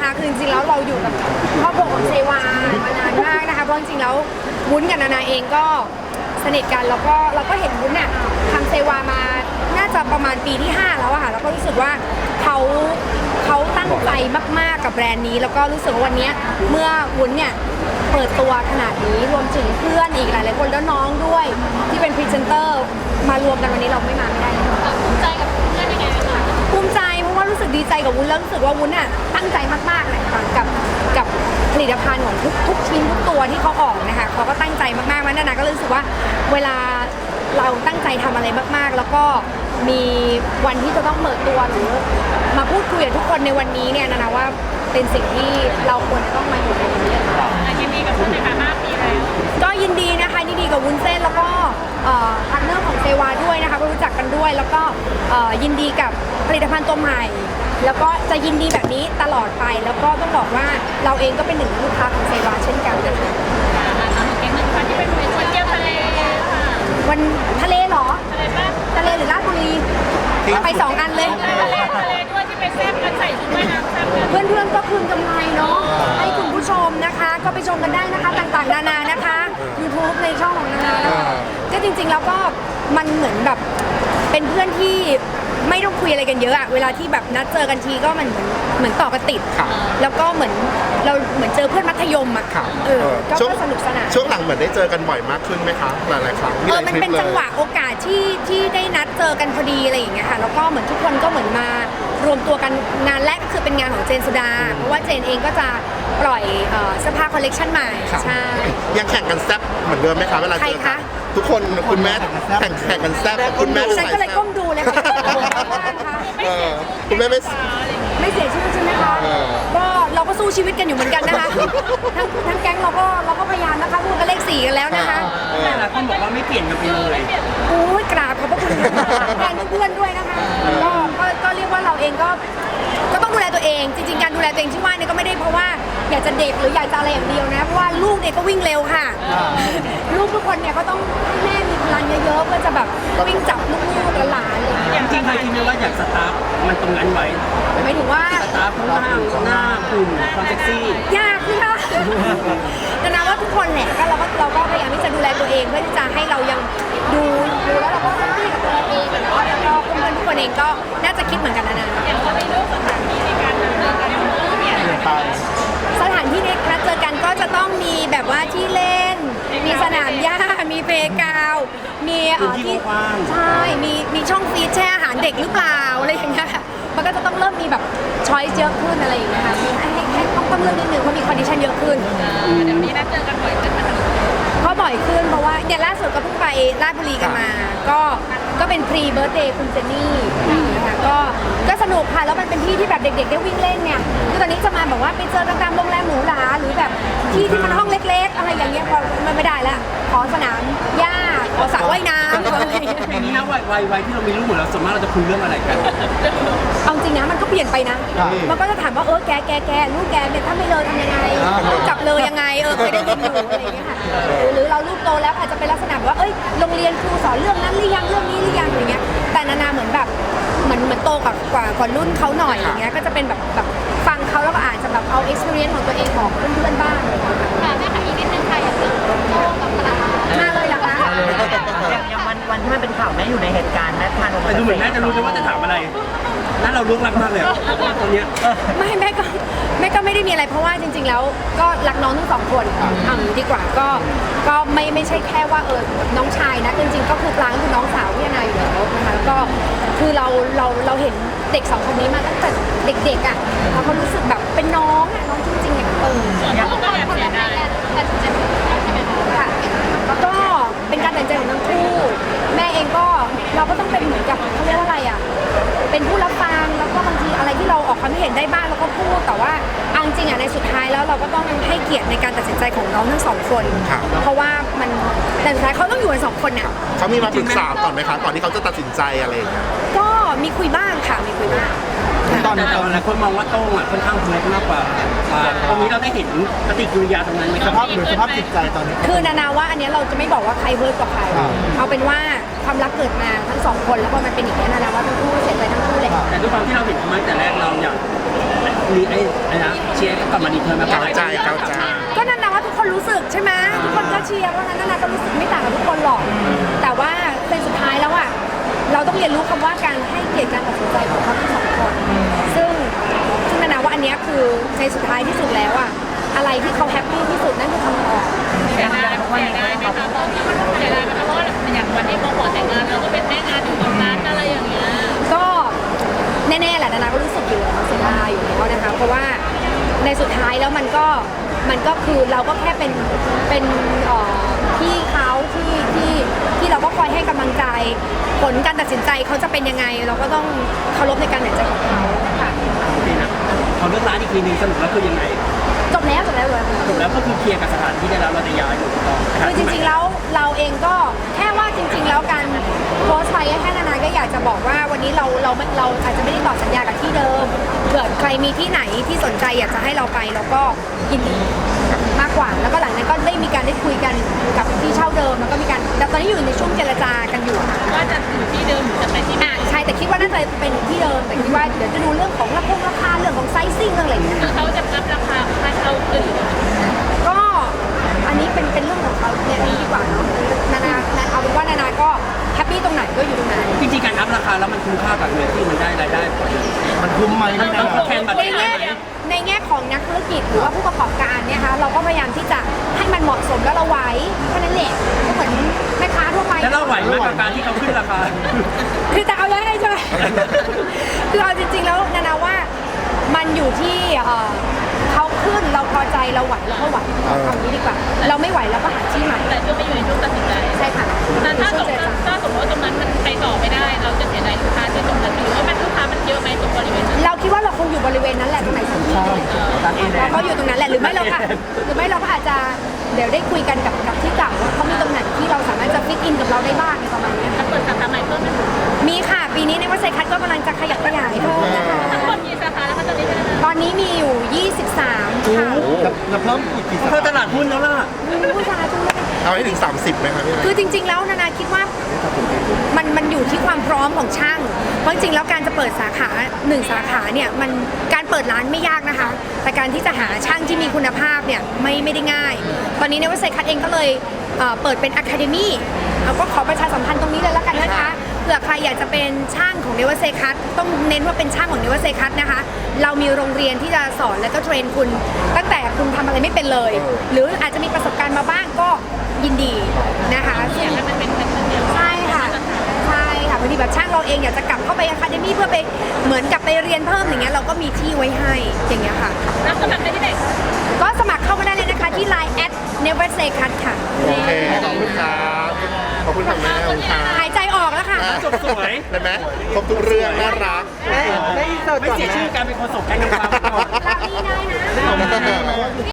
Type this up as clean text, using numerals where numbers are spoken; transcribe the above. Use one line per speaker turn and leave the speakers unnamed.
นะคะคือจริงๆแล้วเราอยู่กับครอบครัวของเซวามานานมากนะคะเพราะจริงๆแล้ววุ้นกับนานาเองก็สนิทกันแล้วก็เราก็เห็นวุ้นน่ะทำเซวามาน่าจะประมาณปีที่5แล้วอะค่ะแล้วก็รู้สึกว่าเขาตั้งใจมากๆกับแบรนด์นี้แล้วก็รู้สึกว่าวันนี้เมื่อวุ้นเนี่ยเปิดตัวขนาดนี้รวมถึงเพื่อนอีกหลายๆคนแล้วน้องด้วยที่เป็นพรีเซนเตอร์มารวมกันวันนี้เราไม่มาไม่ได้ภูมิใจกับเพื่อนยังไงคะภูมิใจเพราะว่ารู้สึกดีใจกับวุ้นแล้วรู้สึกว่าวุ้นน่ะตั้งใจมากๆเลยกับผลิตภัณฑ์ของทุกชิ้นทุกตัวที่เขาออกนะคะเขาก็ตั้งใจมากๆมันนานาก็รู้สึกว่าเวลาเราตั้งใจทำอะไรมากๆแล้วก็มีวันที่จะต้องเปิดตัวหรือมาพูดคุยกับทุกคนในวันนี้เนี่ยนานาว่าเป็นสิ่งที่เราควรจะต้องมาอยู่ในวันนี้ยินดีกับคุณในฐานะปีแล้วก็ยินดีนะคะยินดีกับวุ้นเส้นแล้วก็พาร์ทเนอร์ของเซวาด้วยนะคะก็รู้จักกันด้วยแล้วก็ยินดีกับผลิตภัณฑ์ตัวใหม่แล้วก็จะยินดีแบบนี้ตลอดไปแล้วก็ต้องบอกว่าเราเองก็เป็นหนึ่งลูกค้าของเซวาเช่นกันนะคะเก่งหนึ่งวันที่เป็นวันเที่ยวทะเลค่ะวันทะเลเหรอทะเลหรือราชบุรีไป2 อันเลยทะเลด้วยที่ไปแซ่บกันใส่ชุดว่ายน้ำแซ่บเพื่อนๆก็คืนกำไรเนาะให้คุณผู้ชมนะคะก็ไปชมกันได้นะคะต่างๆนานานะคะ YouTube ในช่องของนานานะคะก็จริงๆแล้วก็มันเหมือนแบบเป็นเพื่อนที่ไม่ต้องคุยอะไรกันเยอะอะเวลาที่แบบนัดเจอกันทีก็มันเหมือนต่อกันติดแล้วก็เหมือนเราเหมือนเจอเพื่อนมัธยมอะก็สนุกสนาน
ช่วงหลังเหมือนได้เจอกันบ่อยมากขึ้นไหมคะหลายๆครั้ง
มันเป็นจังหวะโอกาสที่ได้นัดเจอกันพอดีอะไรอย่างเงี้ยค่ะแล้วก็เหมือนทุกคนก็เหมือนมารวมตัวกันงานแรกก็คือเป็นงานของเจนสุดาเพราะว่าเจนเองก็จะปล่อยเสื้อผ้าคอลเลกชันใหม่ใช่
ยังแข่งกันแซ่บเหมือนเดิมไหมคะเวลาเจอกันทุกคนคุณแม่แข่งกันแซ่บคุณแม่
ฉันก็เลยก้มดูเลยค่ะ
คุณแม่
ไม่เสียชื่อใช่ไหมคะก็เราก็สู้ชีวิตกันอยู่เหมือนกันนะคะทั้งแก๊งเราก็พยายามนะคะพูดกันเลข4กันแล้วนะคะ
แต่ละคนบอกว่าไม่เปลี่ยนกันไปเลย
โอ้ยกราบขอบพระคุณแทนเพื่อนๆด้วยนะคะก็เรียกว่าเราเองก็ต้องดูแลตัวเองจริงๆการดูแลตัวเองที่ว่าเนี่ยก็ไม่ได้เพราะว่าอยากจะเด็กหรืออยากจะอะไรอย่างเดียวนะเพราะว่าลูกเนี่ยก็วิ่งเร็วค่ะลูกทุกคนเนี่ยก็ต้องให้แม่มีพลังเยอะๆเพื่อจะแบบวิ่งจับลูกๆหลานๆเลย
จริงๆเคยคิดไหมว่าอยากสตาร์ทมันตรงนั้นไว้
หมายถึงว่า
สตาร์ทข้างล่างหน้าหุ่นความเซ็กซี่
ยากสิคะแต่นะว่าทุกคนแหละก็เราก็พยายามที่จะดูแลตัวเองเพื่อที่จะให้เรายังดูแล้วเราก็แฮปปี้กับตัวเองแล้วก็เพื่อนๆทุกคนเองก็น่าจะคิดเหมือนกันนะอย่างพอไปเลือกสถานที่ในการนัดเจอกันสถานที่ในนัดเจอกันก็จะต้องมีแบบว่าที่เล่นมีสนามหญ้ามีเพลย์กราวด์มีที่ใช่มีช่องฟีดแช่อาหารเด็กหรือเปล่าอะไรอย่างเงี้ยมันก็จะต้องเริ่มมีแบบช้อยเยอะขึ้นอะไรอย่างเงี้ยค่ะมีให้ต้องเลือกนิดนึงเพราะมีคอนดิชันเยอะขึ้นเดี๋ยวนี้นัดเจอกันบ่อยขึ้นเพราะบ่อยขึ้นเพราะว่าเนี่ยล่าสุดก็เพิ่งไปราชบุรีกันมาก็เป็นพรีเบิร์ธเดย์คุณเจนนี่นะคะก็สนุกค่ะแล้วมันเป็นที่ที่แบบเด็กๆได้วิ่งเล่นเนี่ยคือตอนนี้จะมาแบบว่าไปเจอกันตามโรงแรมหรูหราหรือแบบที่มันห้องเล็กๆอะไรอย่างเงี้ยพอมันไม่ได้แล้วขอสนามหญ้าขอสระว่ายน้ำอะไรอย่างเงี้ย
ทีนี้นะวัยที่เรามีลูกหมดแล้วส่วนมากเราจะคุยเรื่องอะไรกัน
เอาจริงนะมันก็เปลี่ยนไปนะมันก็จะถามว่าแกลูกแกเนี่ยถ้าไม่เลยทำยังไงจับเลยยังไงเคยได้ยินอยู่อะไรอย่างเงี้ยค่ะหรือเราลูกโตแล้วอาจจะเป็นลักษณะแบบว่าโรงเรียนครูสอนเรื่องนั้นหรือยังเรื่องนี้หรือยังอย่างเงี้ยแต่นานาเหมือนแบบเหมือนโตกว่ารุ่นเขาหน่อยอย่างเงี้ยก็จะเป็นแบบฟังเขาแล้วก็อาจจะแบบเอา experience ของตัวเองของเพื่อนๆบ้างเลยค่ะแม่ค่ะอีกนิดนึงค่ะอยากจะโตกับตลาดมาเลยเหรอคะ
อย่างวันที่มันเป็นข่าวแม่อยู่ในเหตุการณ์แม่ทาน
แต่ดูเหมือนแม่จะรู้เลยว่าจะถามอะไรนั่นเราลุกรักมากเลยตอนนี้
ไม่แม่ก็ไม่ได้มีอะไรเพราะว่าจริงๆแล้วก็รักน้องทั้ง2 คนเอาอย่างนี้ดีกว่าก็ไม่ใช่แค่ว่าน้องชายนะจริงๆก็คือปลางคือน้องสาวพี่นาอยู่แล้วนะคะแล้วก็คือเราเห็นเด็ก2 คนนี้มาตั้งแต่เด็กๆอ่ะแล้วเขารู้สึกแบบเป็นน้องจริงๆอย่างก็แบบเสียดายค่ะก็เป็นการตัดสินใจของทั้งคู่แม่เองก็เราก็ต้องเป็นเหมือนกับเขาเรียกว่าอะไรอ่ะเป็นผู้รับฟังแล้วก็บางทีอะไรที่เราออกความเห็นได้บ้างเราก็พูดแต่ว่าจริงๆในสุดท้ายแล้วเราก็ต้องให้เกียรติในการตัดสินใจของน้องทั้ง2 คนเพราะว่ามันแต่สุดท้ายเขาต้องอยู่กัน2 คนเนี่ย
เขามีมาปรึกษาก่อนไหมคะก่อนที่เขาจะตัดสินใจอะไรอย่างเงี้ย
ก็มีคุยบ้างค่ะมีคุยบ้าง
ตอนหลายคนมองว่าโต้งค่อนข้างเพิร์ทมากกว่าตรงนี้เราได้เห็นปฏิกิริยาตรงนั้นไหมครับ
สภาพจิตใจตอนนี้
คือนานาว่าอันนี้เราจะไม่บอกว่าใครเพิร์ทกว่าใครเอาเป็นว่าความรักเกิดมาทั้ง2 คนแล้วพอมันเป็นอย่างนี้นานาว่าทั้งคู่เสียใจทั้งคู่เลย
แต่ด้วยความที่เราเห็นเขามาแต่แรกเราอยากมีไอ้นะเชียร์ก็กลับมาดีเทอร์มา
เกาใจเกาใจ
ก็นั่นนะว่าทุกคนรู้สึกใช่ไหมทุกคนก็เชียร์เพราะฉะนั้นนาก็รู้สึกไม่ต่างกับทุกคนหรอก แต่ว่าเป็นสุดท้ายแล้วอ่ะเราต้องเรียนรู้คำว่าการให้เกียรติการตัดสินใจของทั้งสองคนซึ่งนาว่าอันเนี้ยคือในสุดท้ายที่สุดแล้วอ่ะอะไรที่เขาแฮปปี้ที่สุดนั่นคือคำตอบ
เสียดายไหมคะเสียดายไหมคะเพราะว่าอย่างวันที่โมขอแต่งงานเราก็เป็นแม่งานอยู่ตรงนั้นอะไรอย่างเงี้ย
ก็แน่ๆแหละนาก็รู้สึกอยู่แล้วเสียดายอยู่แล้วนะคะเพราะว่าในสุดท้ายแล้วมันก็คือเราก็แค่เป็นพี่เขาที่เราก็คอยให้กำลังใจผลการตัดสินใจเขาจะเป็นยังไง เราก็ต้องเคารพในการตัดสินใจของเขาค่ะ
โอเคนะเขาเลือกร้านอีกทีนึงสรุปแล้วคือยังไง
จบแล้วเลย
สรุปแล้วก็คือเคลียร์กับสถานที่ได้แล้วเราจะย้ายอยู่ต่อ
คือจริงๆแล้วเราเองก็แค่ว่าจริงๆแล้วการโพสต์ไปแค่นานๆก็อยากจะบอกว่าวันนี้เราอาจจะไม่ได้ต่อสัญญากับที่เดิมเผื่อใครมีที่ไหนที่สนใจอยากจะให้เราไปเราก็ยินดีมากกว่าแล้วก็หลังนั้นก็ได้มีการได้คุยกันกับที่เช่าเดิมแล้วก็มีการแต่ตอนนี้อยู่ในช่วงเจรจากันอยู่ค่ะ
ว่าจะอยู่ที่เดิมหรือจะไปที่ไหน
ใช่แต่คิดว่าน่าจะเป็นที่เดิมแต่คิดว่าเดี๋ยวจะดูเรื่องของราคาเรื่องของไซซิ่งเรื่องอะไรอย่างเงี้ย
คือเขาจะรับราคาให้เราอื่น
ก็อันนี้เป็นเรื่องของเขาเนี่ยนี่ดีกว่าเนาะนาเอาเป็นว่านานาก็แฮปปี้ตรงไหนก็อยู่ตรงนั้น
จริงๆการอัพราคาแล้วมันคุ้มค่ากับเงินที่มันได้รายได้กว่าเดิม
มันคุ้มไหมพี่
ต้
นา
องแทนบัตร
ในแง่ของนักธุรกิจหรือว่าผู้ประกอบการเนี่ยค่ะเราก็พยายามที่จะให้มันเหมาะสมแล้วเราไหวแค่นั้นแหละก็เหมือนแม่ค้าทั่วไป
แล้วเราไหวไหมกับการที่เขาขึ้นราคา
คือจะเอายังไงใช่ไหม คือเอาจริงๆแล้วนาว่ามันอยู่ที่เขาขึ้นเราพอใจเราไหวเราก็ไหวเอาอย่างนี้ดีกว่า เราไม่ไหวเราก็หาที่ใหม่
แต่ก็ไม่อยู่ในช่วงตัดสินใจ
ใช่ค่ะ
แต่ถ้าสมมติว่าตรงนั้นมันไปต่อไม่ได้ เราจะเสียดายลูกค้าที่ตรงนั้นหรือว่ามันลูกค้ามันเยอะไหมตรงบริเวณนั้น
เราคิดว่าเราคงอยู่บริเวณนั้นแหละตรงไหนสักที่เราก็อยู่ตรงนั้นแหละหรือไม่เราก็อาจจะเดี๋ยวได้คุยกันกับที่เก่าว่าเขามีตรงไหนที่เราสามารถจะฟิตอินกับเราได้บ้างในประมาณนี้
จะเปิดสาขาใหม่เพิ่มไหม
มีค่ะปีนี้ในวัดไซคัสก็กำลังจะขยับขยายเพิ่มนะคะ
ทั้งหมดกี่สาขาแล้วคะตอนนี้
ตอนนี้มีอยู่ 23 ค่ะ
จะเพิ่มอีกกี่สา
เข้าต
ขา
ลาดหุ้นแล้วล่ะ
ผู้ชายทุกเลย
เอาให้ถึง 30ไหมครับพี่นา
คือจริงๆแล้วนานาคิดว่ามันอยู่ที่ความพร้อมของช่างเพราะจริงๆแล้วการจะเปิดสาขา1สาขาเนี่ยมันการเปิดร้านไม่ยากนะคะ แต่การที่จะหาช่างที่มีคุณภาพเนี่ยไม่ได้ง่าย ตอนนี้ในวัดไซคัสเองก็เลยเปิดเป็นอะคาเดมี่เราก็ขอประชาสัมพันธ์ตรงนี้เลยแล้วกันนะคะเผื่อใครอยากจะเป็นช่างของเนวเซคัสต้องเน้นว่าเป็นช่างของเนวเซคัสนะคะเรามีโรงเรียนที่จะสอนและก็เทรนคุณตั้งแต่คุณทำอะไรไม่เป็นเลย หรืออาจจะมีประสบการณ์มาบ้างก็ยินดีนะคะซึ่ง
ให้มันเป็นแค่เดียว
ใช่ค่ะใช่ค่ะพอดีแบบช่างเราเองอยากจะกลับเข้าไปอะคาเดมี่เพื่อไปเหมือนกับไปเรียนเพิ่มอย่างเงี้ยเราก็มีที่ไว้ให้อย่างเงี้ยค่ะ
รับสมัครได้ที่ไหน
ก็สมัครเข้ามาได้เลยนะคะที่ Line @never say cut ค่ะ
โอเคขอบคุณครับขอบคุณค่ะแม่ขอบคุณค่ะ
หายใจออกแล้วค่ะ
จบสวย
ได้ไหมครบทุกเรื่องน่ารัก
ไม่เสียชื่อการเป็นโฆษกแก๊งนางฟ้ามาก่อน
ลาลี่ได้นะ